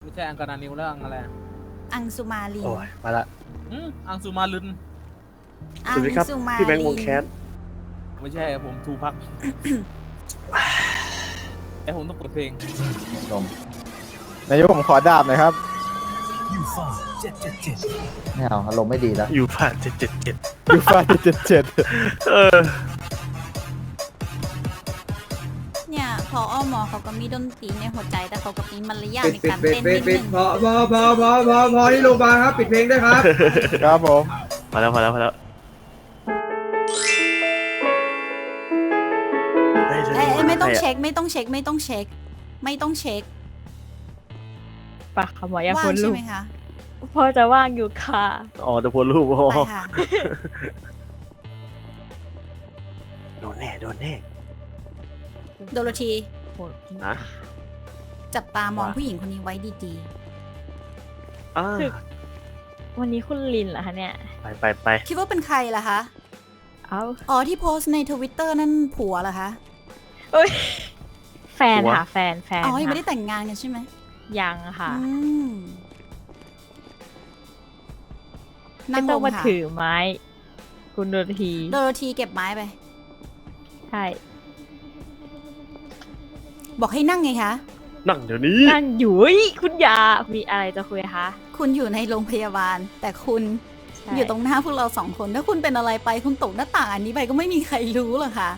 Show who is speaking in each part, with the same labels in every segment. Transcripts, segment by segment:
Speaker 1: ไม่ใช่อังกานานิวแล้วอังอะไรอะ
Speaker 2: อังสุมาลิน
Speaker 3: โอ้ยมาละ
Speaker 1: อังสุมาลึน
Speaker 2: อั
Speaker 3: สวัสดีครับ
Speaker 2: สุมา
Speaker 3: พี่แบงค์ว
Speaker 2: ลิ
Speaker 3: ง
Speaker 2: น
Speaker 3: แคส
Speaker 1: ไม่ใช่ผมทูพัก แต่ผมต้องเปิดเพลง
Speaker 4: นมนายกผมขอดาบหน่อยครับ
Speaker 5: ยูฟ่า777
Speaker 4: ไม่เอาอารมณ์ไม่ดีแล้ว
Speaker 3: อยู่ผ่าน777
Speaker 4: ยูฟ่า777
Speaker 3: เออ
Speaker 2: เนี่ยพอหมอเขาก็มีดนตรีในหัวใจแต่เขาก็มีมารยาท
Speaker 6: ปิด
Speaker 2: ใน
Speaker 6: ปิด
Speaker 2: การ
Speaker 6: ปิด
Speaker 2: เต้น
Speaker 6: ปิ
Speaker 2: นิ
Speaker 6: ด
Speaker 2: ด
Speaker 6: ปิด
Speaker 2: นึง
Speaker 6: พอที่โรงพยาบาลครับปิดเพลงด้วยครับ
Speaker 4: ครับผม
Speaker 3: พอแล้วเฮ้ย
Speaker 2: ไม่ต้องเช็คไม่ต้องเช็คไม่ต้องเช็ค ไม่ต้องเช็ค
Speaker 7: ปะค่ะหมออยาก
Speaker 2: ว่า
Speaker 7: โพ
Speaker 2: ง
Speaker 7: สต์
Speaker 2: ใช่
Speaker 7: รูป
Speaker 2: ไหมคะ
Speaker 7: พอจะว่างอยู่ค่ะ
Speaker 3: อ๋อจะโพสรูปโอ้โห
Speaker 2: ไปค่ะ
Speaker 3: โดนแน่โดนแน่
Speaker 2: โดโรธี
Speaker 3: นะ
Speaker 2: จับตามอง
Speaker 3: ว่า
Speaker 2: ผู้หญิงคนนี้ไว้ดี
Speaker 3: อ่า
Speaker 7: คือ วันนี้คุณลินเหรอคะเนี่ย
Speaker 3: ไป
Speaker 2: ๆคิดว่าเป็นใครล่ะคะ
Speaker 7: เอ้า
Speaker 2: อ๋อที่โพสต์ในทวิตเตอร์นั่นผัวเหรอคะ
Speaker 7: เอ้ยแฟนค่ะแฟน
Speaker 2: อ๋อยังไม่ได้
Speaker 7: ค่ะ
Speaker 2: แต่งงานกันใช่ไหม
Speaker 7: ยังค่ะ
Speaker 2: อืม
Speaker 7: ไม่
Speaker 2: นั่งล
Speaker 7: ต้อง
Speaker 2: ง
Speaker 7: มา
Speaker 2: ค่ะ
Speaker 7: ถือไม้ คุณโดนที
Speaker 2: โดโรธีเก็บไม้ไป
Speaker 7: ใช่
Speaker 2: บอกให้นั่งไงคะ
Speaker 3: นั่งเดี๋ยวนี้
Speaker 7: นั่งอยู่เฮ้ยคุณยามีอะไรจะคุยคะ
Speaker 2: คุณอยู่ในโรงพยาบาล แต่คุณ
Speaker 7: ใช่
Speaker 2: อยู่ตรงหน้าพวกเราสองคน ถ้าคุณเป็นอะไรไปคุณตกหน้าต่างอันนี้ไปก็ไม่มีใครรู้หรอกค่ะ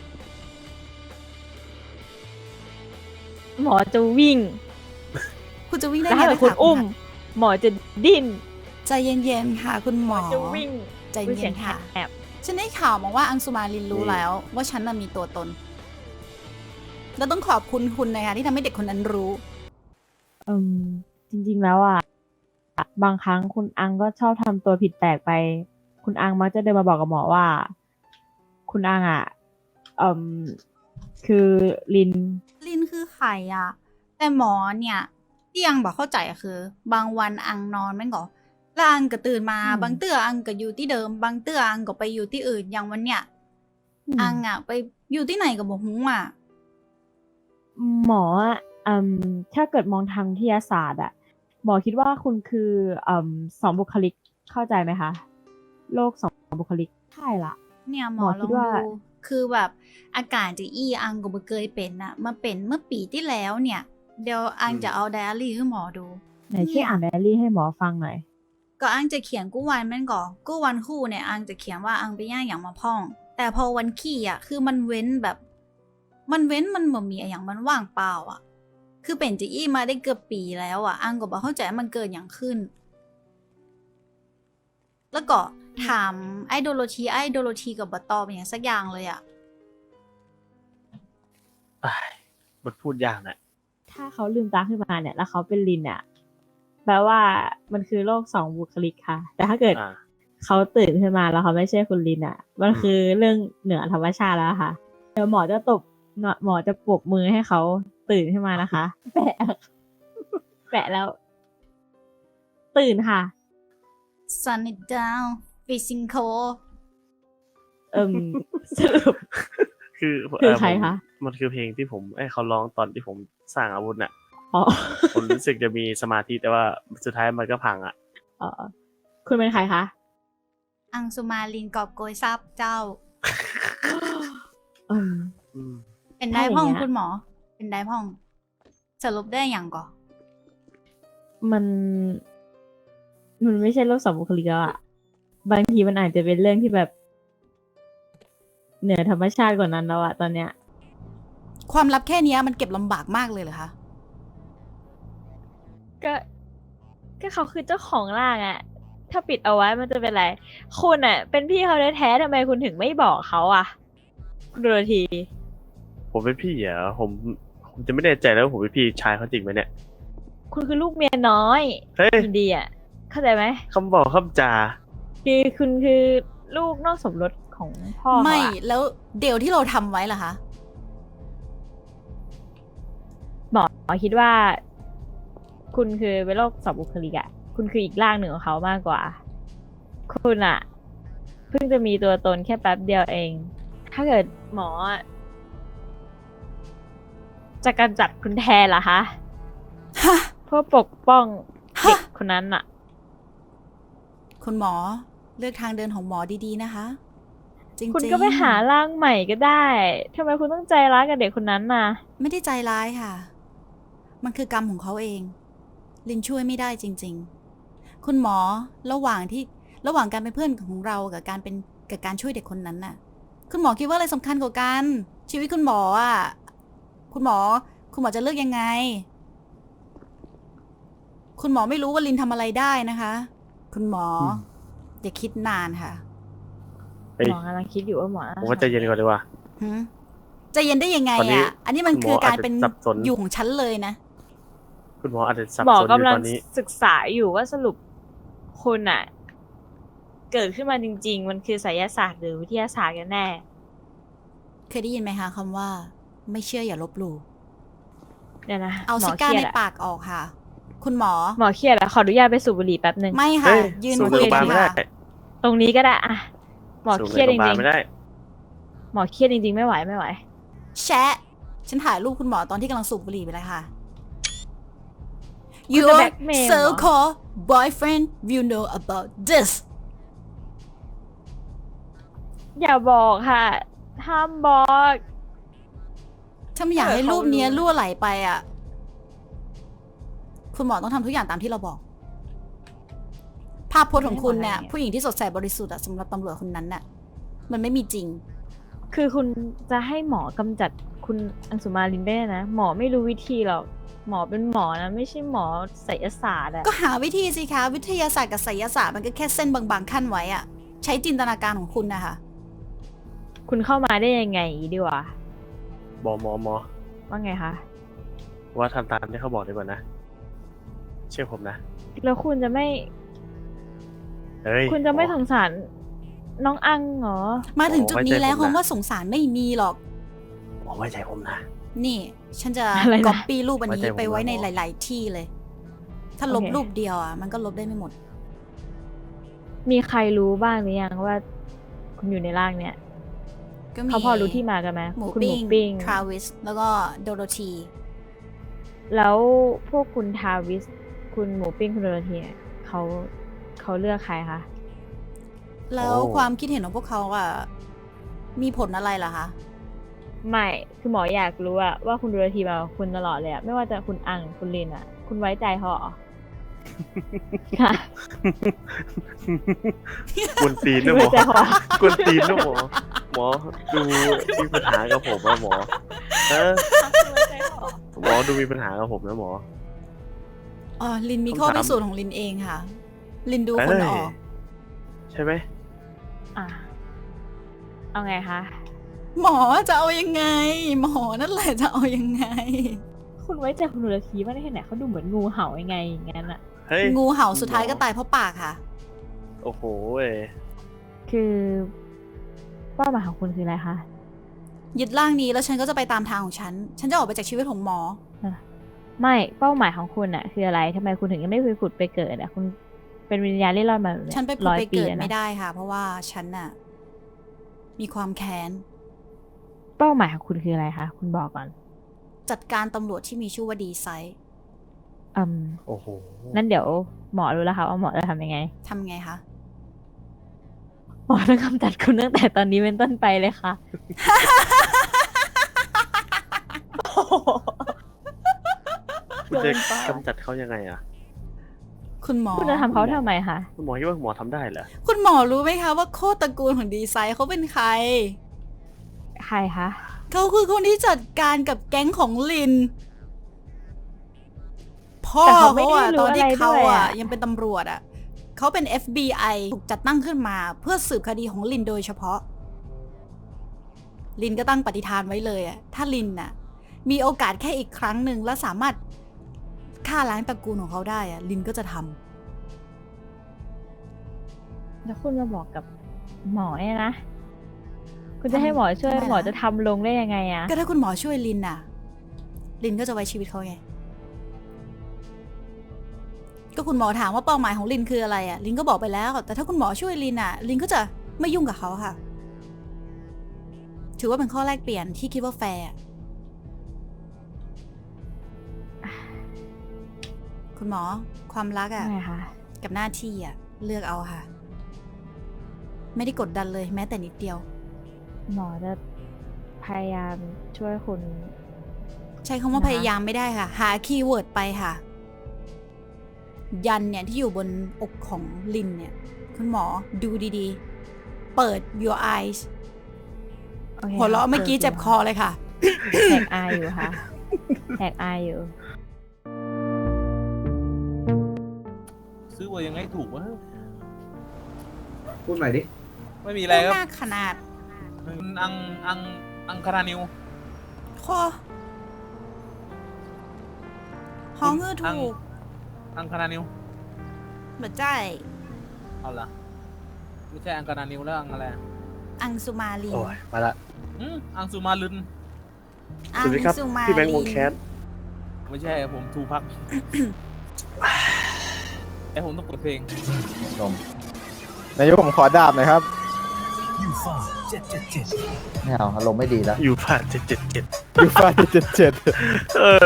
Speaker 7: หมอจะวิ่ง
Speaker 2: คุณจะวิ่งได้
Speaker 7: แล้ว
Speaker 2: ไง
Speaker 7: ถ้าเกิดคุณ
Speaker 2: นะะ
Speaker 7: อุ้ม หมอจะดิ้น
Speaker 2: ใจเย็นๆค่ะ คุณหมอ
Speaker 7: จะวิ่ง
Speaker 2: ใจ
Speaker 7: อุ๊ย
Speaker 2: เย็
Speaker 7: สีย
Speaker 2: น
Speaker 7: ง
Speaker 2: ๆค่ะ
Speaker 7: แอบ
Speaker 2: ฉันได้ข่าวมาว่าอังสุมาลินรู้แล้ว ว่าฉันน่ะมีตัวตน แล้วต้องขอบคุณคุณนะคะที่ทำให้เด็กคนนั้นรู้
Speaker 7: จริงๆแล้วอ่ะบางครั้งคุณอังก็ชอบทำตัวผิดแปลกไป คุณอังมักจะเดินมาบอกกับหมอว่า คุณอังอ่ะคือลิน
Speaker 2: ลินคือไข่อะแต่หมอเนี่ยที่ยังบอกเข้าใจอะคือ บางวันอังนอนแม่งก็แล้วอังก็ตื่นมา
Speaker 7: อืม
Speaker 2: บางเตื้ออังก็อยู่ที่เดิม บางเตื้ออังก็ไปอยู่ที่อื่นอย่างวันเนี้ยอังอะไปอยู่ที่ไหนกับบอกฮู้อะ
Speaker 7: หมออ่ะถ้าเกิดมองทางวิทยาศาสตร์อ่ะ หมอคิดว่าคุณคือสองบุคลิกเข้าใจไหมคะ โลกสองบุคลิกใช่ละ
Speaker 2: เนี่ยหม
Speaker 7: หม
Speaker 2: อ
Speaker 7: อ
Speaker 2: ล
Speaker 7: คิ
Speaker 2: อ
Speaker 7: ด
Speaker 2: ง
Speaker 7: ว่า
Speaker 2: ดูคือแบบอาการจะอังก็บ่เคยเป็นอะมาเป็นเมื่อปีที่แล้วเนี่ย เดี๋ยวอังจะเอาไดอารี่ให้หมอดู
Speaker 7: ไหนช่วยอ่านไดอารี่ให้หมอฟังหน่อย
Speaker 2: ก็อังจะเขียนกู้วันแม่นก่อกู้วันคู่เนี่ยอังจะเขียนว่าอังไปย่างอย่างมาพ่อง แต่พอวันขี้อ่ะคือมันเว้นแบบ มันเว้นมันบ่มีอย่างมันว่างเปล่าอ่ะ คือเป็นจะมาได้เกือบปีแล้วอ่ะอังก็บอกเข้าใจว่ามันเกิดอย่างขึ้น แล้วก็ถามไอโดโลทีกับบตอบอย่างสักอย่างเลยอ่ะ
Speaker 3: มันพูดยากนะ
Speaker 7: ถ้าเขาลืมตาขึ้นมาเนี่ย แล้วเขาเป็นลินอ่ะแปลว่ามันคือโลกสองบุคลิกค่ะ แต่ถ้าเกิด
Speaker 3: อ่า
Speaker 7: เขาตื่นขึ้นมาแล้วเขาไม่ใช่คุณลินอ่ะ มันคือเรื่องเหนือธรรมชาติแล้วค่ะ เดี๋ยวหมอจะหมอจะปรบมือให้เขาตื่นขึ้นมานะคะ แปะ แปะแล้ว ตื่นค่ะ
Speaker 2: Sun it down Fishing Cove
Speaker 7: สรุป
Speaker 3: คือ
Speaker 7: คือใครคะ
Speaker 3: มันคือเพลงที่ผมเขาร้องตอนที่ผมสร้างอาวุธน่ะ
Speaker 7: อ๋อ
Speaker 3: ผมรู้สึกจะมีสมาธิแต่ว่าสุดท้ายมันก็พังอ่ะ
Speaker 7: อ๋อคุณเป็นใครคะ
Speaker 2: อังสุมาลินกอบโกยซับเจ้า
Speaker 7: อืม
Speaker 3: อืม
Speaker 2: เป็นได้พ่อง
Speaker 7: ถ้าอย่างเงี้ย
Speaker 2: คุณหมอ เป็นได้พ่อง สรุปได้อย่างก่อ
Speaker 7: มันไม่ใช่โลกสองบุคลิกแล้วอะบางทีมันอาจจะเป็นเรื่องที่แบบ เหนือธรรมชาติกว่านั้นแล้วอะตอนเนี้ย
Speaker 2: ความลับแค่เนี้ยมันเก็บลำบากมากเลยเหรอคะ
Speaker 7: ก็เขาคือเจ้าของร่างอะถ้าปิดเอาไว้มันจะเป็นไร คุณอะเป็นพี่เขาแท้ๆทำไมคุณถึงไม่บอกเขาอะคุณโดโรธี
Speaker 3: ผมเป็นพี่เหรอผมจะไม่แน่ใจแล้วว่าผมเป็นพี่ชายเขาจริงไหมเนี่ย
Speaker 7: คุณคือลูกเมียน้อย
Speaker 3: เฮ้ย
Speaker 7: อินเดียเข้าใจไหม
Speaker 3: คำบอกคำจา
Speaker 7: คือคุณคือลูกนอกสมรสของพ่อเขาอะ
Speaker 2: ไม่แล้วเดี๋ยวที่เราทำไว้ล่ะคะ
Speaker 7: หมอคิดว่า คุณคือเป็นโรคสองบุคลิกอะคุณคืออีกร่างหนึ่งของเขามากกว่า คุณอะเพิ่งจะมีตัวตนแค่แป๊บเดียวเอง ถ้าเกิดหมออะจะกำจัดคุณแทนล่ะคะ
Speaker 2: ฮะ
Speaker 7: พื่อปกป้องเด็ก
Speaker 2: ฮะ
Speaker 7: คนนั้นอะ
Speaker 2: คุณหมอเลือกทางเดินของหมอดีๆนะคะ จริงๆ
Speaker 7: คุณก็ไปหาร่างใหม่ก็ได้ทำไมคุณต้องใจร้ายกับเด็กคนนั้นน่ะ
Speaker 2: ไม่ได้ใจร้ายค่ะ มันคือกรรมของเขาเอง ลินช่วยไม่ได้จริง ๆ คุณหมอระหว่างการเป็นเพื่อนของเรากับการช่วยเด็กคนนั้นน่ะ คุณหมอคิดว่าอะไรสำคัญกว่ากัน ชีวิตคุณหมออ่ะ คุณหมอจะเลือกยังไง คุณหมอไม่รู้ว่าลินทำอะไรได้นะคะ คุณหมออย่าคิดนานค่ะ
Speaker 3: เฮ้ย
Speaker 7: หมอกำลังคิดอยู่ว่าหมอ
Speaker 3: ผมว่าใจเย็นก่อนดีกว่า
Speaker 2: หืมใจเย็นได้ยังไง
Speaker 3: ตอนนี้
Speaker 2: อ่ะ อันนี้มัน
Speaker 3: คุณหมอ
Speaker 2: คือการเป็น
Speaker 3: อาจจะสับสน
Speaker 2: อยู่ของฉันเลยนะ
Speaker 3: คุณหมออาจจะสับ
Speaker 7: หมอ
Speaker 3: สนอยู่
Speaker 7: กำลั
Speaker 3: ต
Speaker 7: ง
Speaker 3: อนนี้
Speaker 7: ศึกษาอยู่ว่าสรุปคุณอะเกิดขึ้นมาจริง ๆ มันคือไสยศาสตร์หรือวิทยาศาสตร์กันแน่
Speaker 2: เคยได้ยินไหมคะคำว่า ไม่เชื่ออย่าลบหลู่
Speaker 7: เดี๋ยวนะ
Speaker 2: เอา
Speaker 7: หม
Speaker 2: ซิ
Speaker 7: อ
Speaker 2: ก้า
Speaker 7: เครีย
Speaker 2: ใน
Speaker 7: ดอะ
Speaker 2: ปากออกค่ะ คุณหมอ
Speaker 7: หมอเครียดอะขออนุญาตไปสูบบุหรี่แป๊บหนึ่ง
Speaker 2: ไม่ค่ะ
Speaker 3: เฮ้ย
Speaker 2: ยืน
Speaker 3: สูบ
Speaker 2: คุย
Speaker 3: ในโรงพยาบาล
Speaker 2: กัน
Speaker 3: ไม่ได้
Speaker 2: ค่ะ
Speaker 7: ตรงนี้ก็ได้อะหมอ
Speaker 3: สูบ
Speaker 7: เค
Speaker 3: ใน
Speaker 7: รียด
Speaker 3: โรงพ
Speaker 7: จ
Speaker 3: ยาบาล
Speaker 7: ริง
Speaker 3: ไม่ได้
Speaker 7: ๆหมอเครียดจริงๆไม่ไหว
Speaker 2: แชะ ฉันถ่ายรูปคุณหมอตอนที่กำลังสูบบุหรี่ไปเลยค่ะ
Speaker 7: คุณจะ
Speaker 2: Your
Speaker 7: แบล็กเมลเหรอ
Speaker 2: so-called boyfriend will know about this
Speaker 7: อย่าบอกค่ะห้ามบอก
Speaker 2: ถ้าไม่อยากให้
Speaker 7: เขา
Speaker 2: รูปเนี้ย
Speaker 7: รู้
Speaker 2: รั่วไหลไปอ่ะ คุณหมอต้องทำทุกอย่างตามที่เราบอก ภาพพจน์ของคุณเนี่ย ผู้หญิงที่สดใสบริสุทธิ์อะสำหรับตำรวจคนนั้นน่ะ มันไม่มีจริง
Speaker 7: คือคุณจะให้หมอกำจัดคุณอังสุมาลินได้นะ หมอไม่รู้วิธีหรอกหมอเป็นหมอนะไม่ใช่หมอไสยศาสตร์อะ
Speaker 2: ก็หาวิธีสิคะ วิทยาศาสตร์กับไสยศาสตร์มันก็แค่เส้นบางๆขั้นไว้อะใช้จินตนาการของคุณนะคะ
Speaker 7: คุณเข้ามาได้ยังไงดีวะ
Speaker 3: หมอ
Speaker 7: ว่าไงคะ
Speaker 3: ว่าทำตามที่เขาบอกดีกว่านะ เชื่อผมนะ
Speaker 7: แล้วคุณจะไม่
Speaker 3: เฮ้ย
Speaker 7: คุณจะไม่
Speaker 3: หม
Speaker 7: ส
Speaker 3: อ
Speaker 7: งสารน้องอังเหรอ
Speaker 2: มาถึงจุดนี้แล้ว
Speaker 3: ไว้ใจผมนะ
Speaker 2: คำว่าสงสารไม่มีหรอก
Speaker 3: หมอไว้ใจผมนะ
Speaker 2: นี่ ฉันจะ
Speaker 7: อะไรนะ
Speaker 2: ก๊อปปี้รูปอันนี้
Speaker 3: ไว้ใจผม
Speaker 2: ไปไว้ใน
Speaker 3: นะหมอ
Speaker 2: หลาย ๆ ที่เลย ถ้าลบ
Speaker 7: โอเค
Speaker 2: รูปเดียวอ่ะ มันก็ลบได้ไม่หมด
Speaker 7: มีใครรู้บ้างหรือยังว่า คุณอยู่ในร่างเนี่ย
Speaker 2: ก็มี
Speaker 7: เขาพอรู้ที่มากันไหม
Speaker 2: หมู
Speaker 7: คุณหมู
Speaker 2: ปิ้ง
Speaker 7: ปิ้ง
Speaker 2: ทราวิส แล้วก็โดโรธี
Speaker 7: แล้วพวกคุณทาวิส คุณหมูปิ้งคุณโดโรธีเนี่ยเขาเลือกใครคะ
Speaker 2: แล้ว
Speaker 3: โอ้
Speaker 2: ความคิดเห็นของพวกเขาอ่ะ มีผลอะไรล่ะคะ
Speaker 7: ไม่คือหมออยากรู้อะว่าคุณโดโรธีมากับคุณตลอดเลยอะไม่ว่าจะคุณอังคุณลินอะคุณไว้ใจเขาเหรอ ค่ะ
Speaker 3: กวนตีนนะหม
Speaker 7: ไว้
Speaker 3: อ
Speaker 7: ใจเขาเหรอก
Speaker 3: วนตีนนะหมอ หมอดูมีปัญหากับผมนะหมอเออ
Speaker 7: ไว้ใจเขาเหรอ
Speaker 3: หมอดูมีปัญหากับผมนะหมอ
Speaker 2: อ๋อ ลินมี
Speaker 3: คำ
Speaker 2: ข้อ
Speaker 3: ถาม
Speaker 2: พิสูจน์ของลินเองค่ะ ลินดูคนออก
Speaker 3: ใช่ไหม
Speaker 7: อ่ะเอาไงคะ
Speaker 2: หมอจะเอายังไง หมอนั่นแหละจะเอายังไง
Speaker 7: คุณไว้ใจคุณโดโรธีมากได้แค่ไหนเขาดูเหมือนงูเห่ายังไงอย่างนั้นอะ
Speaker 3: เฮ้ย
Speaker 2: งูเห่าสุดท้าย
Speaker 3: หมอ
Speaker 2: ก็ตายเพราะปากค่ะ
Speaker 3: โอ้โหเว้ย
Speaker 7: คือเป้าหมายของคุณคืออะไรคะ
Speaker 2: ยึดร่างนี้แล้วฉันก็จะไปตามทางของฉัน ฉันจะออกไปจากชีวิตของหมอ
Speaker 7: ไม่เป้าหมายของคุณอะคืออะไรทำไมคุณถึงยังไม่ไปผุดไปเกิดอะคุณเป็นวิญญาณเล่ร่อนมาแบบเนี้ย
Speaker 2: ฉันไปผุด
Speaker 7: 100
Speaker 2: ไปเกิด
Speaker 7: แล้วนะ
Speaker 2: ไม่ได้ค่ะ เพราะว่าฉันน่ะ มีความแค้น
Speaker 7: เป้าหมายของคุณคืออะไรคะคุณบอกก่อน
Speaker 2: จัดการตำรวจที่มีชื่อว่าดีไซน์
Speaker 3: โอ้โห
Speaker 7: นั่นเดี๋ยวหมอรู้แล้วค่ะว่าหมอจะทำยังไง
Speaker 2: ทำไงคะ
Speaker 7: หมอต้องกำจัดคุณตั้งแต่ตอนนี้เป็นต้นไปเลยค่ะ
Speaker 3: คุณจะกำจัดเขายังไงอ่ะ
Speaker 2: คุณหมอ
Speaker 7: คุณจะทำเขาทำไมคะ
Speaker 3: คุณหมอคิดว่าหมอทำได้เหรอ
Speaker 2: คุณหมอรู้ไหมคะว่าโคตรตระกูลของดีไซน์เขาเป็นใคร
Speaker 7: ใครคะ
Speaker 2: เขาคือคนที่จัดการกับแก๊งของลิน พ่อ
Speaker 7: แต่เขาไม่
Speaker 2: เขา
Speaker 7: ได้
Speaker 2: อะ
Speaker 7: รู้
Speaker 2: ตอนที่
Speaker 7: อะไร
Speaker 2: เขา
Speaker 7: ด้วย
Speaker 2: อะ
Speaker 7: อะ
Speaker 2: ยังเป็นตำรวจอะเขาเป็น FBI ถูกจัดตั้งขึ้นมาเพื่อสืบคดีของลินโดยเฉพาะ ลินก็ตั้งปฏิฐานไว้เลยอะถ้าลินน่ะ มีโอกาสแค่อีกครั้งหนึ่งและสามารถฆ่าล้างตระกูลของเขาได้อะลินก็จะทำ
Speaker 7: แล้วคุณมาบอกกับหมอเนี่ยนะ คุณจะให้หมอช่วย
Speaker 2: ทำไมล่ะ
Speaker 7: หมอจะทำลงได้ยังไงอะ
Speaker 2: ก็ถ้าคุณหมอช่วยลินน่ะ ลินก็จะไว้ชีวิตเขาไง ก็คุณหมอถามว่าเป้าหมายของลินคืออะไรอ่ะ ลินก็บอกไปแล้ว แต่ถ้าคุณหมอช่วยลินอ่ะ ลินก็จะไม่ยุ่งกับเขาค่ะ ถือว่าเป็นข้อแรกเปลี่ยนที่คิดว่าแฟร์อะคุณหมอความรักอะ
Speaker 7: ไงคะ
Speaker 2: กับหน้าที่อะเลือกเอาค่ะ ไม่ได้กดดันเลยแม้แต่นิดเดียว
Speaker 7: หมอจะพยายามช่วยคุณ
Speaker 2: ใช้คำว่า
Speaker 7: นะคะ
Speaker 2: พยายามไม่ได้ค่ะ หาคีย์เวิร์ดไปค่ะ ยันเนี่ยที่อยู่บนอกของลินเนี่ย คุณหมอดูดีๆ เปิด your eyes
Speaker 7: โอค
Speaker 2: หัวเราะ
Speaker 7: ค่ะ
Speaker 2: เมื่อกี้เจ็บคอเลยค่ะ
Speaker 7: แหกอายอยู่ค่ะแหกอายอยู่
Speaker 1: ซื้อว่ายังไงถูกวะ
Speaker 6: พูดใหม่ดิ
Speaker 1: ไม่มีอะไรครับ
Speaker 2: หน้าขนาด
Speaker 1: อังคารานิว
Speaker 2: คอห้องเงือถูก
Speaker 1: อังคารานิว
Speaker 2: เหมือนใจ
Speaker 1: เอาละไม่ใช่อังคารานิวแล้วอังอะไร
Speaker 2: อังสุมาลี
Speaker 3: โอ้ยมาละ
Speaker 1: อังสุมาลึน
Speaker 2: อัง
Speaker 3: สวัสดีครับ
Speaker 2: สุมา
Speaker 3: พี่แบงค์
Speaker 2: ลี
Speaker 3: วงแคส
Speaker 1: ไม่ใช่ผมทูพัก แต่ผมต้องเปิดเพลง
Speaker 4: นายกผมขอดาบหน่อยครับ
Speaker 5: ยูฟา777
Speaker 4: ไม่เอาอารมณ์ไม่ดีแล้ว
Speaker 3: อยู่ผ่าน777
Speaker 4: ยูฟ่า77
Speaker 3: เออ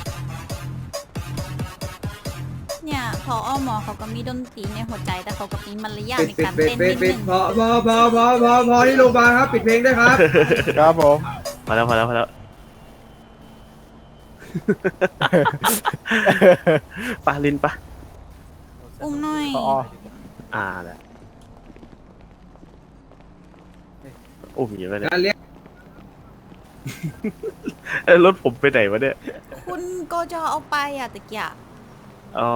Speaker 2: เนี่ยพอหมอเขาก็มีดนตรีในหัวใจ แต่เขาก็มีมารยาท
Speaker 6: ปิด
Speaker 2: ใน
Speaker 6: ปิด
Speaker 2: การ
Speaker 6: ปิด
Speaker 2: เต้น
Speaker 6: ปิ
Speaker 2: นิ
Speaker 6: ด
Speaker 2: ด
Speaker 6: ปิ
Speaker 2: นึ
Speaker 6: ด
Speaker 2: ง
Speaker 6: พอที่โรงพยาบาลครับ ปิดเพลงด้วยครับ
Speaker 4: ครับผม
Speaker 3: พอแล้วปะลินปะ
Speaker 2: อุ้มหน่อย
Speaker 4: พอ
Speaker 3: แหละโอ้ยไปเนี่ย
Speaker 6: การเลี้ยง
Speaker 3: รถผมไปไหนวะเนี่ย
Speaker 2: คุณก็จะเอาไปอะตะเกียบ
Speaker 3: อ๋อ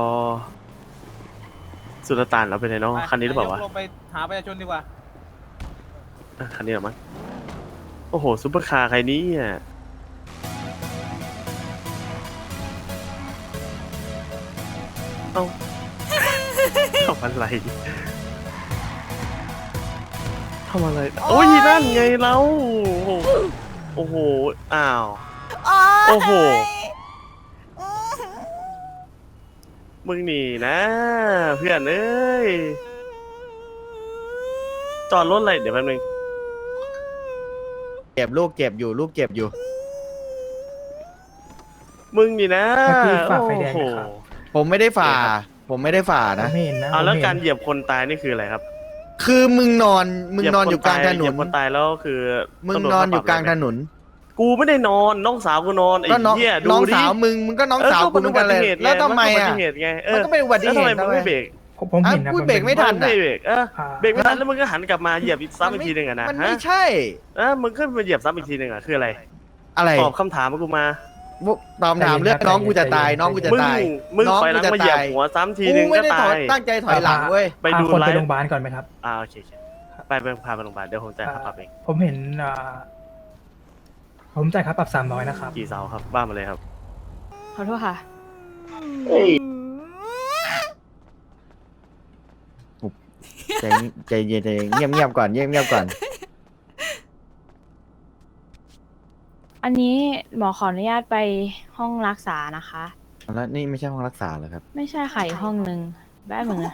Speaker 3: สุลต่านเราไปไหนเนาะคันนี้หรือเปล่าวะ
Speaker 1: ลงไปหาประชาชนดีกว่า
Speaker 3: คันนี้เหรอมั้งโอ้โหซุปเปอร์คาร์ใครนี้อ่ะเอ้าทำอะไรโอ้ยนั่นไงเราโอ้โหอ้าว โอ้โห มึงนี่นะเพื่อนเอ้ยจอดรถอะไรเดี๋ยวแป๊บนึง
Speaker 4: เก็บลูกเก็บอยู่ลูกเก็บอยู่
Speaker 3: มึงนี่นะ
Speaker 8: พี่ฝ่าไฟแดง
Speaker 3: โอ้โห
Speaker 8: นะครับ
Speaker 4: ผมไม่ได้ฝ่า ผมไม่ได้ฝ่านะ
Speaker 8: ไม่เห็นนะ
Speaker 3: เอาแล้ว
Speaker 8: ผมห็น
Speaker 3: การเหยียบคนตายนี่คืออะไรครับ
Speaker 4: คือมึงนอนอยู่กลางถน
Speaker 3: เหยีย
Speaker 4: น
Speaker 3: บคนตายแล้วคือ
Speaker 4: มึงนอนอยู่กลางถนน
Speaker 3: กูไม่ได้นอนน้องสาวกูนอนไอ้
Speaker 4: ก็น้อง
Speaker 3: เหี้ยดู
Speaker 4: น้อง
Speaker 3: ดิ
Speaker 4: สาวมึงก็น้องสาวกูเหมือนกันเลย แล้วทำไม
Speaker 3: อุบั
Speaker 4: อ่ะ
Speaker 3: ติเหตุไง
Speaker 4: มันก็เป็นอุบัติเหตุ
Speaker 3: แล้วทำไมมึงไม่เบรก
Speaker 8: ผมเห็นนะ
Speaker 4: พูดเบรกไม่ทัน
Speaker 3: ไม่เบรก
Speaker 8: อ่า
Speaker 3: เเบรกไม่ทันแล้วมึงก็หันกลับมาเหยียบอีกซ้ำอีกทีหนึ่งอะนะ
Speaker 4: มัน
Speaker 3: ฮะ
Speaker 4: ไม่ใช่
Speaker 3: มึงขึ้นมาเหยียบซ้ำอีกทีหนึ่งอะคืออะไร
Speaker 4: อะไร
Speaker 3: ตอบคำถามกูมา
Speaker 4: ตอบถามเรื่องน้องกูจะตายน้องกูจะ
Speaker 3: มึง
Speaker 4: ตาย
Speaker 3: มึง
Speaker 4: น้อง
Speaker 3: ถอยหลัง
Speaker 4: กูจะ
Speaker 3: มาเหยียบ
Speaker 4: ตาย
Speaker 3: หัวซ้ำที
Speaker 4: กู
Speaker 3: นึง
Speaker 4: ไม่
Speaker 3: ก็
Speaker 4: ได้
Speaker 3: ตา
Speaker 4: ถอย
Speaker 3: ย
Speaker 4: ตั้งใจถอยหลังเว้ย
Speaker 3: ไปดู
Speaker 8: พาคน
Speaker 3: ไล
Speaker 8: ไป
Speaker 3: ฟ์
Speaker 8: โรงพยาบาลก่อนไหมครับ
Speaker 3: โอเคไปพาไปโรงพยาบาลเดี๋ยวผมจ่ายค่าปรับเอง
Speaker 8: ผมเห็นผมจ่ายค่าปรับ300นะครับ
Speaker 3: กี่เสาครับบ้านมาเลยครับ
Speaker 7: ขอโทษค่ะ
Speaker 4: ใจเย็นเงียบก่อนเงียบก่อน
Speaker 7: อันนี้หมอขออนุญาตไปห้องรักษานะคะ
Speaker 4: แล้วนี่ไม่ใช่ห้องรักษาเหรอครับ
Speaker 7: ไม่ใช่ค่ะอีกห้องหนึ่งได้เหมือนกัน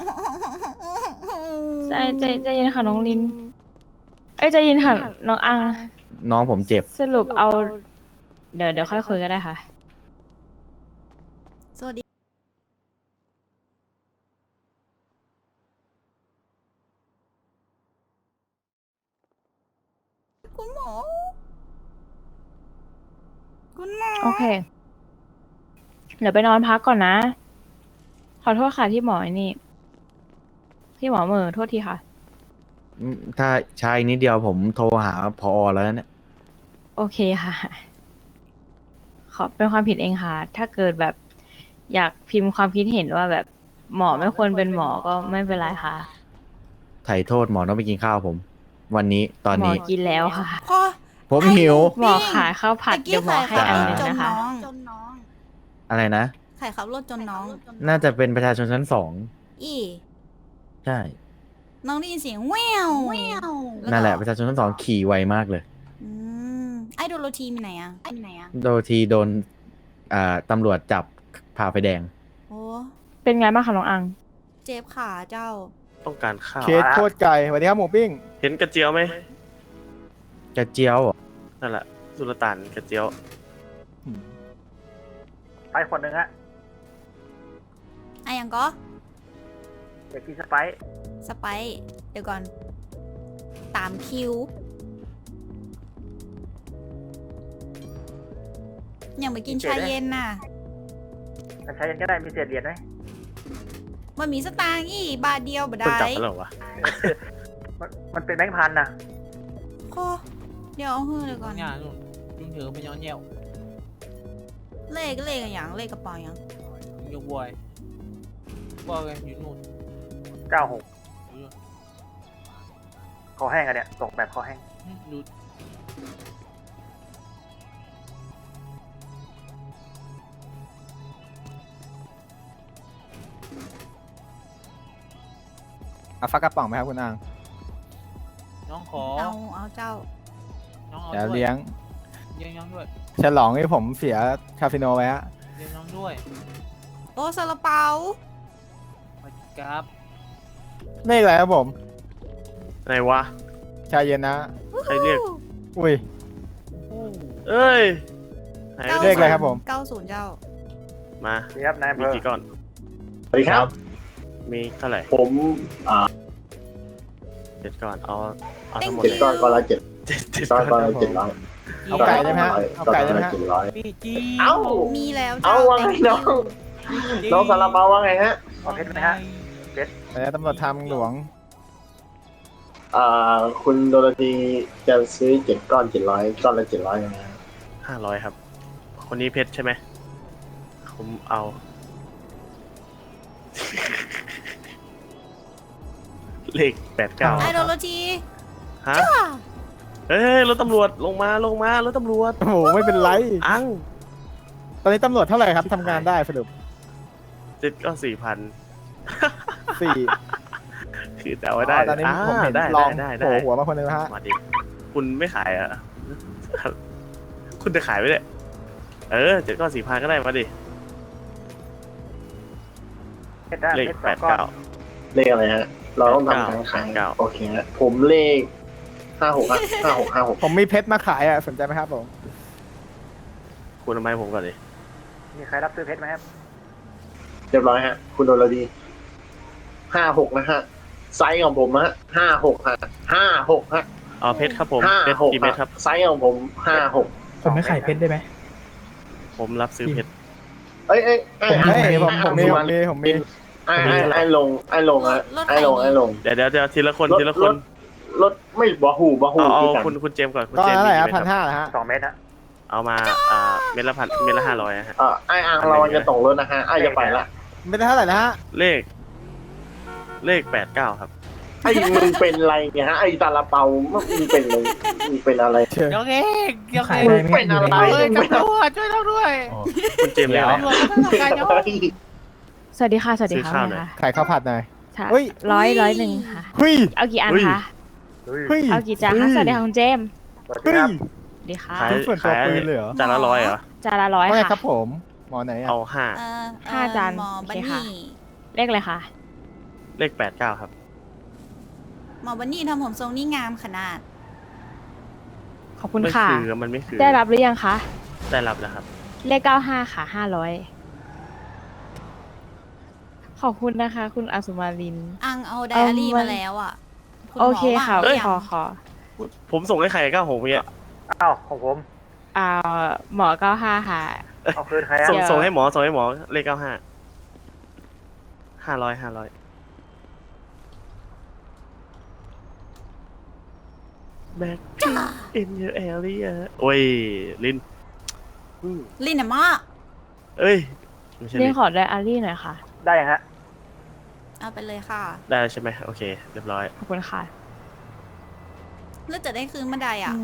Speaker 7: ใจเย็นค่ะน้องลิน เอ้ยใจเย็นค่ะน้องอัง
Speaker 4: น้องผมเจ็บ
Speaker 7: สรุปเอา เดี๋ยวค่อยคุยก็ได้ค่ะ
Speaker 2: สวัสดีคุณหมอ คุณหมอ
Speaker 7: โอเค เดี๋ยวไปนอนพักก่อนนะ ขอโทษค่ะที่หมอไอ้นี่ ที่หมอเหม่อโทษทีค่ะ
Speaker 4: ถ้าใช้นิดเดียวผมโทรหาพอแล้วเนี่ย
Speaker 7: โอเคค่ะ ขอเป็นความผิดเองค่ะ ถ้าเกิดแบบอยากพิมพ์ความคิดเห็นว่าแบบหมอไม่ควรเป็นหมอก็ไม่เป็นไรค่ะ
Speaker 4: ไถ่โทษหมอต้องไปกินข้าวผม วันนี้ตอน
Speaker 7: หมอ
Speaker 4: นี้
Speaker 7: กินแล้วค่ะ
Speaker 2: พอ
Speaker 4: ผมหิว
Speaker 7: หมอขายข้าวผัดเดี๋ยวหมอให้อันหนึง
Speaker 2: จน
Speaker 7: นะคะ
Speaker 2: น้อง
Speaker 4: อะไรนะ
Speaker 2: ไข่ขับรถจนน้อง
Speaker 4: น่าจะเป็นประชาชนชั้น2
Speaker 2: อี
Speaker 4: ใช่
Speaker 2: น้องได้ยินเสียงแววก็
Speaker 4: นั่นแหละประชาชนชั้น2ขี่ไวมากเลย
Speaker 2: อืมไอโดโรทีมีไหนอะ
Speaker 4: โดยทีโดนตำรวจจับพาไปแดง
Speaker 2: โอ้
Speaker 7: เป็นไงบ้างคะน้องอัง
Speaker 2: เจ็บขาเจ้า
Speaker 3: ต้องการข้าว
Speaker 4: เคสโคตรไก่สวัสดีครับหมูปิ้ง
Speaker 3: เห็นกระเจียวไหม
Speaker 4: กระเจียวเหรอ
Speaker 3: นั่นแหละสุลต่านกระเจียว
Speaker 1: ไปคนหนึ่งฮะ
Speaker 2: อะยังก็
Speaker 9: อยากกินสไปซ์
Speaker 2: สไปซ์เดี๋ยวก่อนตามคิวยังไปกินชาเย็นน่ะ
Speaker 9: แต่ใช้ยังก็ได้มีเศษเหรียญไหม
Speaker 2: มันมีสตางค์อีบาทเดียวบ่
Speaker 3: คน
Speaker 2: ได้
Speaker 3: จับกันเหรอวะ
Speaker 9: มันเป็นแบงค์พันนะ
Speaker 2: โอ้เดี๋ยวเอาเฮือเลยก่อน
Speaker 1: เนี่ยนู่นยุ่งถือไปย้อนแย่ว
Speaker 2: เลขอะไรอย่างเลขกระเป๋าอย่าง
Speaker 1: ยกบวยว่าไงอยู่นู่น
Speaker 9: 96
Speaker 1: อยู่นู่น
Speaker 9: คอแห้งอะเนี่ยส่งแบบคอแห้ง
Speaker 1: ดู
Speaker 10: เอาฟักกระป๋องไหมครับคุณอัง
Speaker 1: น้องขอ
Speaker 2: เอาเจ้า
Speaker 1: น้องเอา
Speaker 10: เดี๋ยว
Speaker 1: ด้วย
Speaker 10: เลี้ยง
Speaker 1: เลี้ยงน้องด้วย
Speaker 10: ฉลองที่ผมเสียคาสิโนไว้ฮะ
Speaker 1: เลี้ยงน้องด้วย
Speaker 2: โอ้ซาลาเปา
Speaker 1: มาครับ
Speaker 10: เลขอะไรครับผม
Speaker 3: ไหนวะ
Speaker 10: ชาเย็นนะ
Speaker 3: ใครเรียก
Speaker 10: อุ้ย
Speaker 3: เอ้ยไหน
Speaker 10: เลขอะไรครับผม
Speaker 2: 90เจ้า
Speaker 3: มา
Speaker 9: นี่ครับนายอำ
Speaker 3: มี
Speaker 9: เภอ
Speaker 3: กี่ก้อน
Speaker 4: สวัสดีครับ
Speaker 3: มีเท่าไหร่
Speaker 4: ผม
Speaker 3: 7 ก้อนเอาทั้งหมด
Speaker 2: Thank
Speaker 3: เลย
Speaker 2: you
Speaker 4: ก้อนละเจ็ด
Speaker 3: เจ็ด
Speaker 4: ก้อน
Speaker 3: ก้อน
Speaker 4: ละ700
Speaker 10: เอาไก่ได้ไหมฮะเอาไก่ได้ไหมฮะ
Speaker 1: พี่จี
Speaker 4: เอ้า
Speaker 2: มีแล้ว
Speaker 4: เอา
Speaker 2: เจ้า
Speaker 4: ว่าไงน้องน้องซาลาเปาว่าไงฮะ
Speaker 9: เอาเพชรไหมฮะ
Speaker 10: แล้วตำรวจทางหลวง
Speaker 4: คุณโดโรธีจะซื้อ7 ก้อน 700 ก้อนละ 700นะฮะ
Speaker 3: 500ครับ คนนี้เพชรใช่ไหมผมเอา เลข 89
Speaker 2: ไอโดโลจี
Speaker 3: ฮะเฮ้ยรถตำรวจลงมารถตำรวจ
Speaker 10: โอ้โห ไม่เป็นไร
Speaker 3: อัง
Speaker 10: ตอนนี้ตำรวจเท่าไหร่ครับทำงานได้สรุป
Speaker 3: 7ก็4,000
Speaker 10: 4
Speaker 3: คือแต่ว่าได้
Speaker 10: ตอนนี้ผมเห็น
Speaker 3: ได้
Speaker 10: ลอง
Speaker 3: ได้
Speaker 10: โผล่หัวมาคนนึงแล้วฮะ
Speaker 3: มาดิคุณไม่ขายอ่ะ คุณจะขายไหมเนี่ย7ก็4,000ก็ได้มาดิ
Speaker 9: เพชรได้
Speaker 3: เลข
Speaker 9: เพชร2 ก้อน
Speaker 3: 89
Speaker 4: เลขอะไรฮะ เราต้องทำการขาย
Speaker 3: 89
Speaker 4: โอเคฮะผมเลข 56 56
Speaker 10: ผมมีเพชรมาขายอ่ะสนใจไหมครับผม
Speaker 3: คุณทำไมผมก่อนดิ
Speaker 9: มีใครรับซื้อเพชรไหมครับ
Speaker 4: 56เรียบร้อยฮะ คุณโดโรธี56 นะฮะ ไซส์ของผมฮะ56 ฮะ 56 ฮะ
Speaker 3: เอาเพชรครับผมเพชรกี่
Speaker 4: 56
Speaker 3: เม็ดครับ
Speaker 4: ไซส์ของผม 56
Speaker 8: ผมไม่ขายเพชรได้ไหม
Speaker 3: ผมรับซื้อเพชร
Speaker 4: เอ้ย
Speaker 10: ผมมี
Speaker 4: ไอ้ลงฮะไอ้ลง
Speaker 3: เดี๋ยวทีละคนทีละคน
Speaker 4: รถไม่บะหู
Speaker 3: เอา
Speaker 4: ที่กัน
Speaker 3: คุณเจมส์ก่อนคุณ
Speaker 10: ก็
Speaker 3: เจมส์
Speaker 10: เท่าไหร่
Speaker 3: มี
Speaker 10: ครับ
Speaker 3: กี่
Speaker 10: พัน
Speaker 3: เม็ดครับ
Speaker 10: ห้าฮะ
Speaker 9: 2 เมตรฮะ
Speaker 3: เอามาเม็ดละ1,000เม็ดละ500ฮะ
Speaker 4: ไอ้อ่างเราจะตกรถนะฮะไอ้จะไปละ
Speaker 10: ไม่ได้เท่าไหร่นะฮะ
Speaker 3: เลข89ครับ
Speaker 4: ไอ้มึงเป็นไรเนี่ยฮะไอ้ตาลาเปามึงเป็นอะไรมึงเป็นอะไร
Speaker 1: ยกเองยก
Speaker 8: ขา
Speaker 1: เอย ง
Speaker 8: ได้ไหม
Speaker 4: เป็นอะไร
Speaker 1: เฮ้ยตำรวจช่วยเราด้วย
Speaker 3: คุณเจมส์เรียกอะไร
Speaker 1: ตำรวจก็ต้องทำการยก
Speaker 7: สวัสดีค่ะ สวัสดี
Speaker 3: ซื้อ
Speaker 7: ค่ะ
Speaker 3: ข้าวหน่อย
Speaker 7: ค่ะ
Speaker 10: ขายข้าวผัดหน่อย
Speaker 7: ค่ะ
Speaker 10: เฮ้ย
Speaker 7: ร้อยหนึ่งค่ะ
Speaker 10: เฮ้ย
Speaker 7: เอากี่อัน
Speaker 3: เฮ้ย
Speaker 7: คะ
Speaker 10: เฮ้ย
Speaker 7: เอากี่จานคะสวัสดีค่ะคุณเจมส์
Speaker 9: สวัสดี
Speaker 10: เฮ้ย
Speaker 9: ครับ
Speaker 7: สวัสดีค่ะ
Speaker 3: ขาย
Speaker 10: ส่วนตัวปืนเลยเหรอ
Speaker 3: จานละ100เหรอ
Speaker 7: จานละร้อย
Speaker 10: ว่าไงครั
Speaker 7: ค่ะ
Speaker 10: บผม หมอไหนอ่ะ
Speaker 3: เอา5
Speaker 7: ห้าจาน
Speaker 2: หมอ
Speaker 7: โอ
Speaker 2: บัน
Speaker 7: เคค่ะ
Speaker 2: นี่
Speaker 7: เลขอะไรคะ
Speaker 3: เลข89ครับ
Speaker 2: หมอบันนี่ทำผมทรงนี่งามขนาด
Speaker 7: ขอบคุณ
Speaker 3: ไม่
Speaker 7: ค่ะ
Speaker 3: คือมันไม่คือ
Speaker 7: ได้รับหรือยังคะ
Speaker 3: ได้รับแล้วครับ
Speaker 7: เลข95ค่ะ500ขอบคุณนะคะ คุณอัสุมาลิน
Speaker 2: อังเอาไดอารี่มาแล้วอ่ะณหม
Speaker 7: โอเคค่ะ
Speaker 2: ว่างหรือยัง
Speaker 7: ขอ
Speaker 3: ผมส่งให้ใคร96เนี่ย
Speaker 9: อ้าวของผม
Speaker 7: หมอ95ค่ะ
Speaker 9: เอาคืนใครอะ
Speaker 7: เดี๋ยว
Speaker 3: ส่งให้หมอเลข95 500 Back in your area โอ้ยลิน
Speaker 2: ลินอะมะ
Speaker 3: เอ้ยไม่ใช่
Speaker 7: เรี
Speaker 3: ลิ
Speaker 7: ย
Speaker 3: น
Speaker 7: กขอไดอารี่หน่อยค่ะ
Speaker 9: ได้ยังฮะ
Speaker 2: เอาไปเลยค่ะ
Speaker 3: ได้ใช่ไหมโอเคเรียบร้อย
Speaker 7: ขอบคุณค่ะ
Speaker 2: แล้วจะได้คืนเมื่อใดอ่ะ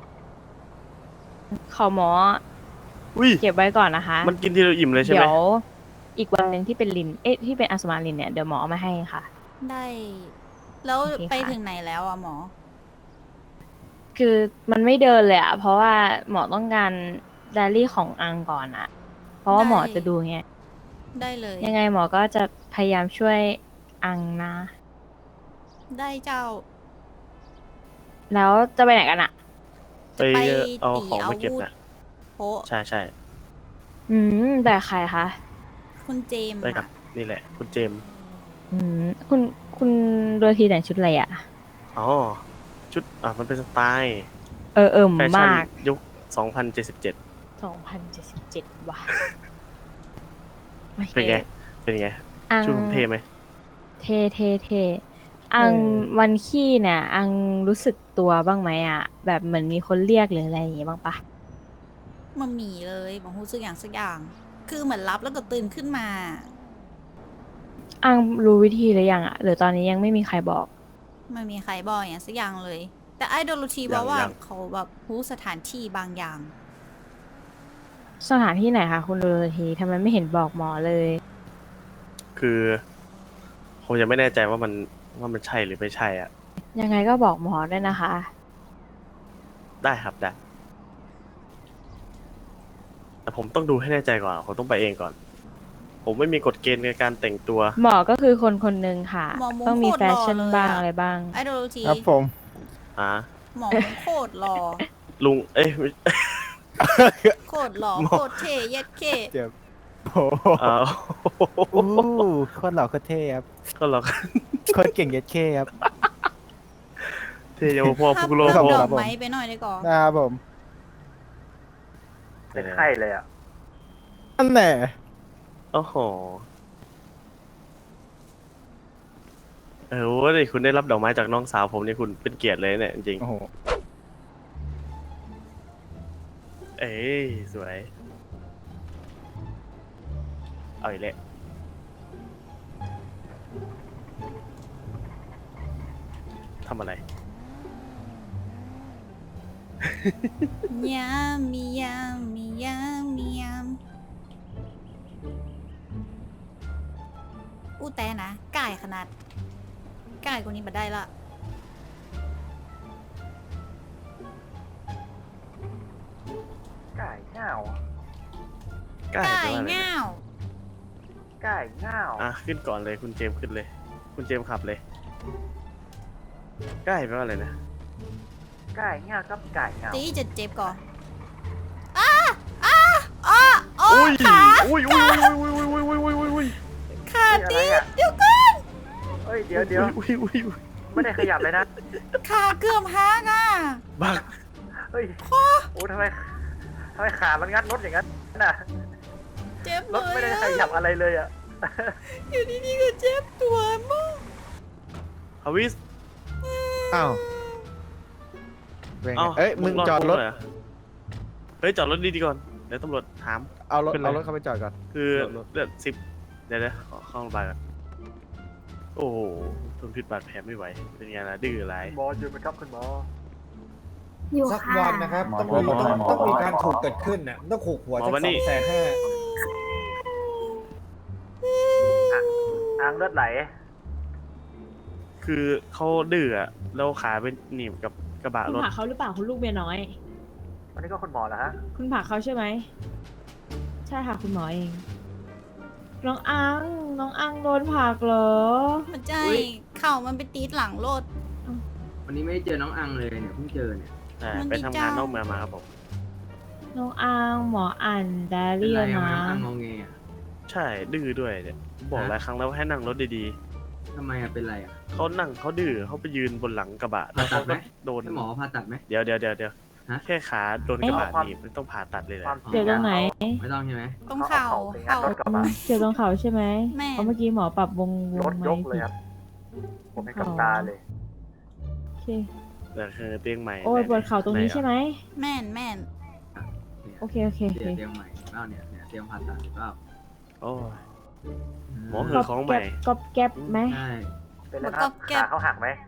Speaker 7: ขอหมอ
Speaker 3: อุ้ย
Speaker 7: เก็บไว้ก่อนนะคะ
Speaker 3: มันกินทีเราอิ่มเลยใช่ไหม
Speaker 7: เดี๋ยวอีกวันหนึ่งที่เป็นลิน ที่เป็นอัสมาลินเนี่ย เดี๋ยวหมอเอามาให้ค่ะ
Speaker 2: ได้ แล้ว
Speaker 7: โอเคค่ะ
Speaker 2: ไปถึงไหนแล้วอ่ะหมอ
Speaker 7: คือมันไม่เดินเลยอะเพราะว่าหมอต้องการไดอารี่ของอังก่อนอะเพราะว่าหมอจะดูไง
Speaker 2: ได้เลย
Speaker 7: ยังไงหมอก็จะพยายามช่วยอังนะ
Speaker 2: ได้เจ้า
Speaker 7: แล้วจะไปไหนกันอะ
Speaker 3: ไป
Speaker 2: ไป
Speaker 3: เอาของมาเก็บ
Speaker 2: ตีอาวุธ
Speaker 3: นะ
Speaker 2: โอ้
Speaker 3: ใช่
Speaker 7: แต่ใครคะ
Speaker 2: คุณเจมส์
Speaker 3: ไปกับ
Speaker 2: อะ
Speaker 3: นี่แหละ คุณเจมส์
Speaker 7: คุณโดยทีแต่งชุดอะไรอ่ะ
Speaker 3: อ๋อ ชุดมันเป็นสไตล์
Speaker 7: แฟชั่น
Speaker 3: มาก
Speaker 7: มาก
Speaker 3: ยุค 2077
Speaker 7: 2077 ว่ะโอค
Speaker 3: เป็นไง เป็นไง
Speaker 7: อัง
Speaker 3: ชุดผมเท่ไหม
Speaker 7: เท่ อังวันขี้เนี่ยอังรู้สึกตัวบ้างไหมอ่ะ แบบเหมือนมีคนเรียกหรืออะไรอย่างงี้บ้างปะ
Speaker 2: มันมีเลยบางรู้สึกอย่างสักอย่าง คือเหมือนรับแล้วก็ตื่นขึ้นมา
Speaker 7: อังรู้วิธีหรือยังอ่ะหรือตอนนี้ยังไม่มีใครบอก
Speaker 2: ไม่มีใครบอกอย่างสักอย่างเลย แต่ไอโดโลทีบอกว่า
Speaker 3: ยัง
Speaker 2: เขาแบบรู้สถานที่บางอย่าง
Speaker 7: สถานที่ไหนคะคุณโดยทีทำไมไม่เห็นบอกหมอเลย
Speaker 3: คือผมยังไม่แน่ใจว่ามันใช่หรือไม่ใช่อ่ะ
Speaker 7: ยังไงก็บอกหมอด้วยนะคะ
Speaker 3: ได้ครับได้ แต่ผมต้องดูให้แน่ใจก่อน ผมต้องไปเองก่อน ผมไม่มีกฎเกณฑ์ในการแต่งตัว
Speaker 7: หมอก็คือคนคนหนึ่งค่ะ
Speaker 2: หมอมุ้ง
Speaker 7: ต้องมี
Speaker 2: โคตร
Speaker 7: แฟชั่น
Speaker 2: หล่อเลย
Speaker 7: บ้าง
Speaker 2: อะ
Speaker 7: อะไรบ้าง
Speaker 2: ไอโดโลที
Speaker 10: ครับผม
Speaker 3: อ่า
Speaker 2: หมอมันโคตรหล่อ
Speaker 3: ลุง เอ้ย
Speaker 2: โคตรหล่อ
Speaker 3: หมอ
Speaker 2: โคตรเท่เย็ดเท่
Speaker 10: เจ็บโอ้โห
Speaker 3: เอ่อ
Speaker 10: อู้โคตรหล่อโคตรเท่ครับ
Speaker 3: ก็เรา
Speaker 10: โคตรเก่งเย็ดเคครับ
Speaker 3: เทเยาวพ่อ
Speaker 2: ภาพ
Speaker 3: พุกโลก
Speaker 2: ภาพ
Speaker 3: พ่อ
Speaker 2: ดอกไม้ไปหน่อยได้ก่อน
Speaker 10: นะครับผม
Speaker 9: เป็นไข้เลยอ่ะ
Speaker 10: นั่นแหละ
Speaker 3: โอ้โหโว้ยคุณได้รับดอกไม้จากน้องสาวผมนี่คุณเป็นเกียรติเลยเนี่ยจริง
Speaker 10: โอ้โห
Speaker 3: ๆเอ้ยสวย เอาอีกแล้วทำอะไร
Speaker 2: ยามมียามมียามมียามอู้แต่นะก่ายขนาดก่ายกว่านี้มาได้ละ
Speaker 9: ไก่เง่า
Speaker 3: ใกล้
Speaker 2: ก่า
Speaker 3: แปล
Speaker 2: ย
Speaker 3: ว่าอะไรนะ
Speaker 2: เง่า
Speaker 9: ไก่เง่า
Speaker 3: ขึ้นก่อนเลยคุณเจมส์ขึ้นเลย คุณเจมส์ขับเลย ใกล้แปลว่าอะไรนะ
Speaker 9: ไก่เง่ากับไก่เง่า
Speaker 2: ตีจะเจ็บก่อนอ้าอ้าอ้าโอ้
Speaker 3: อุ้ย
Speaker 2: ขา
Speaker 3: อุ้ยอุ้ยอุ้ยอุ้ยอุ้ยอุ้ยอุ้ยอุ้ยอุ้ย
Speaker 2: ขาตี
Speaker 9: อะไรอะ
Speaker 2: เดี๋ยวก่อน
Speaker 9: เฮ้ยเดี๋ยว
Speaker 3: อุ้ยอุ้ยอุ้ย
Speaker 9: ไม่ได้ขยับเลยนะ
Speaker 2: ขาเกือบหักอ่ะ
Speaker 3: บ้า
Speaker 9: เฮ้ยโอ้ทำไมขามันงัดรถอย่างนั้นน่ะ
Speaker 2: เจ็บ
Speaker 9: ร
Speaker 2: เล
Speaker 9: ถไม่
Speaker 2: ย
Speaker 9: ได้
Speaker 2: อะ
Speaker 9: ขยับอะไรเลยอ่ะ
Speaker 2: อยู่ดีๆก็เจ็บตัวมาก
Speaker 3: ฮาวิส
Speaker 10: อ้าวเป็นไง
Speaker 3: เอ้า
Speaker 10: เอ้ยมึงจอดรถ
Speaker 3: เหเฮ้ยจอดรถดีๆก่อนเดี๋ยวตำรวจถาม
Speaker 10: เอารถ
Speaker 3: เป็นไร
Speaker 10: เอารถเข้าไปจอดก่อน
Speaker 3: คือ
Speaker 10: รถ
Speaker 3: เลือด10เดี๋ยวขอเข้าโรงพยาบาลก่อนโอ้โหทนพิษบาดแผลไม่ไหวเป็นไงล่ะดื้ออะไร
Speaker 9: หมออยู่ไหมครับคุณหมอ
Speaker 7: อยู่
Speaker 6: สัก
Speaker 7: ค่ะ
Speaker 6: วันนะครับต้องมีการถูกเกิดขึ้นน่ะต้องถูกหัว
Speaker 3: หมอ
Speaker 6: สัก
Speaker 3: วันนี้
Speaker 6: 250,000
Speaker 9: อ่างเลือดไหล
Speaker 3: คือเขาดื้ออะแล้วขาเป็นหนีบกับกระบะ
Speaker 7: คุณ
Speaker 3: รถ
Speaker 7: ผลักเขาหรือเปล่าคุณลูกเมียน้อย
Speaker 9: วันนี้ก็คุณหมอเหรอฮะ
Speaker 7: คุณผลักเขาใช่ไหม ใช่ค่ะคุณหมอเอง น้องอังโดนผลักเหรอ
Speaker 2: มันใจเข่ามันไปตีดหลังรถ
Speaker 1: วันนี้ไม่ได้เจอน้องอังเลยเนี่ยเพิ่งเจอเนี่ย
Speaker 2: มัน
Speaker 3: ไปทำงาน
Speaker 2: ดีจัง
Speaker 3: นอกเมืองมาครับผม
Speaker 7: น้องอังหมออ่านไดอา
Speaker 1: เป็น
Speaker 7: รี่
Speaker 1: ไร
Speaker 7: แล้ว
Speaker 1: อะ
Speaker 7: นะ
Speaker 1: น้องอังงงเงอะ
Speaker 3: ใช่ดื้อด้วยเนี่ยบอกหลายครั้งแล้วว่าให้นั่งรถดี
Speaker 1: ทำไมอะเป็นไรอะ
Speaker 3: ๆเขานั่งเขาดื้อเขาไปยืนบนหลังกระบะ
Speaker 1: ผ่าตัดไหม
Speaker 3: โดน
Speaker 1: ให้หมอผ่าตัดไหม
Speaker 3: เดี๋ยว
Speaker 1: ฮะ
Speaker 3: แค่ขาโดนกระบะหนีบไม่ต้องผ่าตัดเลยเหร
Speaker 9: ควา
Speaker 3: อ
Speaker 9: มจริ
Speaker 7: เจ็บตรงไหน
Speaker 1: ไม่ต้องใช่ไหม
Speaker 2: ตรงเข่า
Speaker 9: เข่า
Speaker 2: เข่า
Speaker 9: รถกระบะ
Speaker 7: เจ็บตรงเขาใช่ไหม
Speaker 2: แม่
Speaker 7: เพราะเมื่อกี้หมอปรับวง
Speaker 9: รถ
Speaker 7: ไหม
Speaker 9: ยกเลยครับ ผมเห็นกับตาเลย
Speaker 7: โอเค
Speaker 3: แต่คือเตียงใหม่
Speaker 7: โอ้ยปวดเข่าตรงนี้ใช่ไหม
Speaker 2: แม่นแม่น
Speaker 7: โอเค
Speaker 1: เตียงใหม่เปล่าเนี่ยเตียงผ่าตัดเปล่า
Speaker 3: โอ้ย หมอเหอะ ของใหม่
Speaker 7: ก๊อบแก๊บไหม
Speaker 1: ใช่
Speaker 9: เป็นไรครับขาเขาหักไหม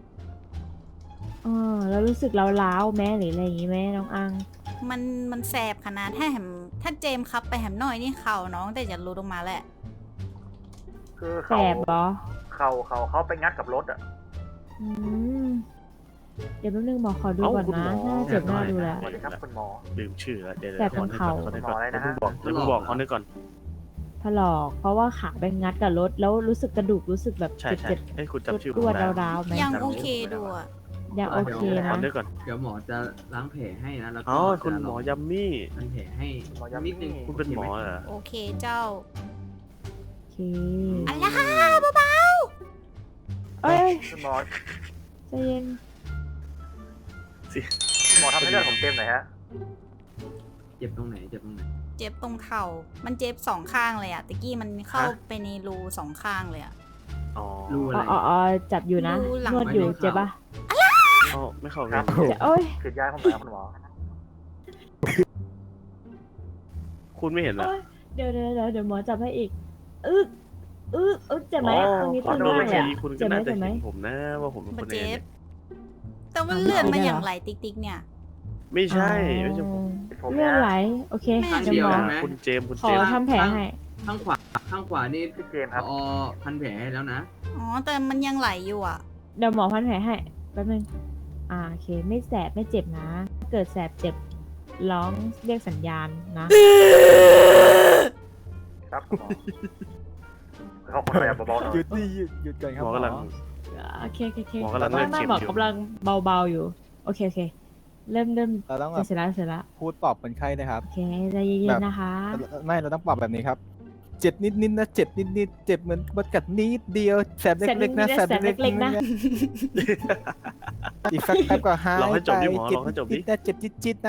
Speaker 7: แล้วรู้สึกล้าวๆแม่หรืออะไรอย่างงี้ไหมน้องอัง
Speaker 2: มันแสบขนาดถ้าเจมส์ครับไปแหมหน่อยนี่เข่าน้องแต่จะรู้ลงมาแหละ
Speaker 9: คือ
Speaker 7: แสบเหรอ
Speaker 9: เขาไปงัดกับรถอ่ะ
Speaker 7: อืมเดี๋ยวแป๊บนึงหมอขอดูก่อนนะน่าเจ็บหน้าดูแล
Speaker 9: สวัสดีครับคุณหมอ
Speaker 3: ลืมชื่อแล้วเดี๋ยว
Speaker 7: แสบตรงเข่า
Speaker 3: ขอนึกก่อน
Speaker 9: หมออะไรนะฮะ
Speaker 3: เดี๋ยวเพิ่งบอกเขานึกก่อน
Speaker 7: ถลอกเพราะว่าขาไปงัดกับรถแล้วรู้สึกกระดูกรู้สึกแบบ
Speaker 3: ใช่
Speaker 7: เจ็บ
Speaker 3: เอ้ยคุณจำชื่อ
Speaker 7: ๆ
Speaker 3: ผม
Speaker 7: รวด
Speaker 3: ได้
Speaker 7: ร้าวๆไหม
Speaker 2: ยังโอเคดูอะ
Speaker 7: ยังโอเค
Speaker 3: ขอ
Speaker 7: นะ
Speaker 3: นึกก่อน
Speaker 1: เดี๋ยวหมอจะล้างแผลให้นะแล้วก็
Speaker 3: อ๋อคุณหมอยัมมี่
Speaker 1: ล้างแผลให้
Speaker 9: หมอยัมมี่
Speaker 1: นิดนึง
Speaker 3: คุณเป็นหมอเหรอ
Speaker 2: โอเคเจ้า
Speaker 7: โอเคเค
Speaker 2: อะไรเบา
Speaker 7: เอ้ย
Speaker 9: คุณหมอ
Speaker 7: ใจเย็น
Speaker 9: คุณหมอทำให้เลือดผมเต็มหน่อยฮะ
Speaker 1: เจ็บตรงไหนเจ็บตรงไหน
Speaker 2: ๆเจ็บตรงเข่ามันเจ็บสองข้างเลยอะตะกี้มันเข้า
Speaker 1: ฮะ
Speaker 2: ไปในรูสองข้างเลยอะ
Speaker 3: อ๋อ
Speaker 1: รูอะไร
Speaker 7: อ๋อจับอยู่นะ
Speaker 2: ดูหลัง
Speaker 7: นวดอยู่
Speaker 1: ไม่เข้า
Speaker 7: เจ็บปะ
Speaker 3: อ๋อไม่เข้า
Speaker 9: ครับ
Speaker 7: จะโอ้ย
Speaker 9: ฉีดยาให้ผมหน่อยครับคุณหมอ
Speaker 3: คุณไม่เห็นเหรอ
Speaker 7: โอ๊ยเดี๋ยวหมอจับให้อีกเจ็บไหม
Speaker 3: อ๋อ
Speaker 7: ตรงนี้
Speaker 3: ข
Speaker 7: ตร
Speaker 3: อง โทษ
Speaker 7: ล่าง
Speaker 3: เมื่อ
Speaker 7: เลย
Speaker 3: กี้
Speaker 7: อะ
Speaker 3: คุณก็
Speaker 7: เจ็บไหม
Speaker 3: น่าจะ
Speaker 7: เจ็บไหม
Speaker 3: เห็นผมนะว่าผมเป็นค
Speaker 2: มาน
Speaker 3: ยัง
Speaker 2: เจ็
Speaker 3: ไง
Speaker 2: บ
Speaker 3: เนี่ย
Speaker 2: แต่ว่าเลือดมัน
Speaker 7: ไม่ได้
Speaker 2: อย่าง
Speaker 7: เหรอ
Speaker 2: ไหลติ๊กๆเนี่ย
Speaker 3: ไม่ใช่ไม่ใช่ผม
Speaker 9: ผม
Speaker 7: เลื
Speaker 9: เนี่
Speaker 7: อย ดไหลโอเค
Speaker 2: แม่
Speaker 7: เดี๋ยวหมอ
Speaker 1: ใช่ไหม
Speaker 3: คุณเจมส์คุณ
Speaker 7: ขอ
Speaker 3: เจมส์
Speaker 7: ทำแผลให้
Speaker 1: ข้างขวาข้างขวานี่
Speaker 9: พี่เจมส์ครับ
Speaker 1: พอพันแผลให้แล้วนะ
Speaker 2: อ๋อแต่มันยังไหลอยู่อะ
Speaker 7: เดี๋ยวหมอพันแผลให้แป๊บนึงโอเคไม่แสบไม่เจ็บนะถ้าเกิดแสบเจ็บร้องเรียกสัญญาณนะ
Speaker 9: ครับคุณหมอเขาคนอะไรเบาๆหน่อย
Speaker 10: หยุดดิหยุดก่อนครับ
Speaker 3: หมอกำลัง
Speaker 7: โอเค
Speaker 3: หมอกำลัง
Speaker 7: ไม่
Speaker 3: เล่นเข็ม
Speaker 7: หมอ
Speaker 3: อยู่
Speaker 7: กำลังเบาๆอยู่โอเคเริ่ม
Speaker 10: เราต้องแบบ
Speaker 7: เสร็จแล้ว
Speaker 10: พูดปลอบคนไข้นะครับ
Speaker 7: โอเคใจเย็
Speaker 10: แบ
Speaker 7: น
Speaker 10: บ
Speaker 7: ๆนะคะ
Speaker 10: ไม่เราต้องปลอบแบบนี้ครับ เจ็บนิดนิดๆนะเจ็บนิดนิดๆเจ็บเหมือนมดกัดนิดเดียวแสบเล็กๆนะ
Speaker 7: แสบนิดๆแสบเล็กๆนะ
Speaker 10: อีกสักแป๊บก็หาย
Speaker 3: ลองให้จบดิหมอ
Speaker 10: เจ็
Speaker 3: ลองให้จบดิ
Speaker 10: นิดๆนะเจ็บจิตๆนะ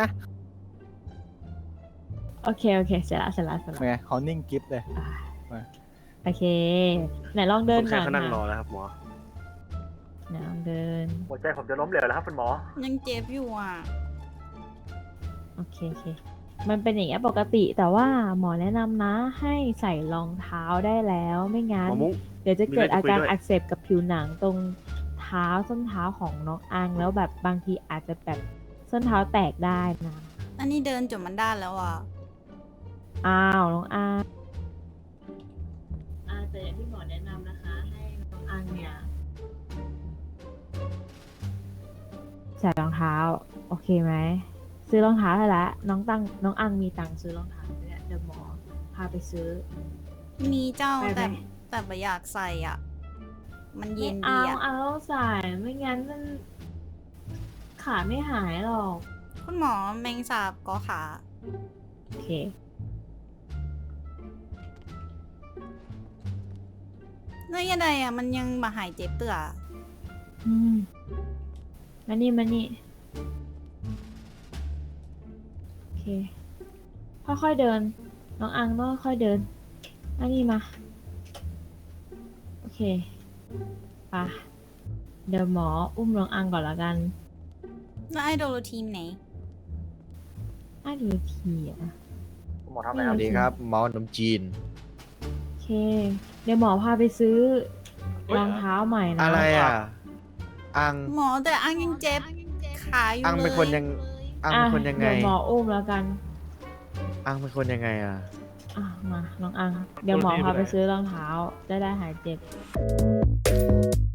Speaker 7: โอเคเสร็จแล้ว
Speaker 10: ไงเขานิ่งกิฟเลย
Speaker 7: โอเคไหนลองเดิ
Speaker 3: คน นไข้
Speaker 7: ก่อน
Speaker 3: เขานั่งรอ
Speaker 7: นะ
Speaker 3: แล้วครับหมอ
Speaker 7: ไหนลองเดิน
Speaker 9: หัวใจผมจะล้มเหลวแล้วครับคุณหมอ
Speaker 2: ยังเจ็บอยู่อะ
Speaker 7: โอเคมันเป็นอย่างเงี้ยปกติแต่ว่าหมอแนะนำนะให้ใส่รองเท้าได้แล้วไม่งั้
Speaker 3: ห
Speaker 7: น
Speaker 3: มอมุ้ง
Speaker 7: เดี๋ยวจะเกิด
Speaker 3: มีอะไรจะ
Speaker 7: อาการ
Speaker 3: คุยด้วย
Speaker 7: อักเสบกับผิวหนังตรงเท้าส้นเท้าของน้องอังแล้วแบบบางทีอาจจะแบบส้นเท้าแตกได้นะ
Speaker 2: อันนี้เดินจนมันด้านแล้วอะ
Speaker 7: อ้าวน้องอังแต่อย่างที่หมอแนะนำนะคะให้น้องอังเนี่ยใส่รองเท้าโอเคไหมซื้อรองเท้าให้ละน้องอังมีตังค์ซื้อรองเท้าเนี่ยเดี๋ยวหมอพาไปซื้อ
Speaker 2: มีเจ้า
Speaker 7: ไปไหม
Speaker 2: แต่ไม่อยากใส่อ่ะ มันเย็น
Speaker 7: ไม่
Speaker 2: ดี
Speaker 7: เอา
Speaker 2: อ่ะ
Speaker 7: เอาต้องใส่ไม่งั้นมันขาไม่หายหรอก
Speaker 2: คุณหมอแมงสาบก็ขา
Speaker 7: โอเค
Speaker 2: แล้วยังไงอ่ะ มันยังมาหายเจ็บเตือ
Speaker 7: มานี่โอเคค่อยๆเดินน้องอังต้องค่อยๆเดินอันนี้มาโอเคไปเดี๋ยวหมออุ้มน้องอังก่อนละกัน
Speaker 2: แล้วไอโดโลทีมไหน
Speaker 7: ดูทีอ่ะ
Speaker 9: คุณหมอทำอะไรครับ
Speaker 7: ดีครับ
Speaker 10: หมอขนมจีน
Speaker 7: โอเค เดี๋ยวหมอพาไปซื้อรองเท้าใหม่นะ
Speaker 10: อะไรอ่ะ อัง
Speaker 2: หมอแต่อังยังเจ็บขาอยู่เลย
Speaker 10: อังเป็นคนยัง อัง
Speaker 7: อ่ะ
Speaker 10: เป็นคนยังไง
Speaker 7: เดี๋ยวหมออุ้มแล้วกัน
Speaker 10: อังเป็นคนยังไงอ่ะ
Speaker 7: มาน้องอัง เดี๋ยวหมอพาไปซื้อรองเท้าได้หายเจ็บ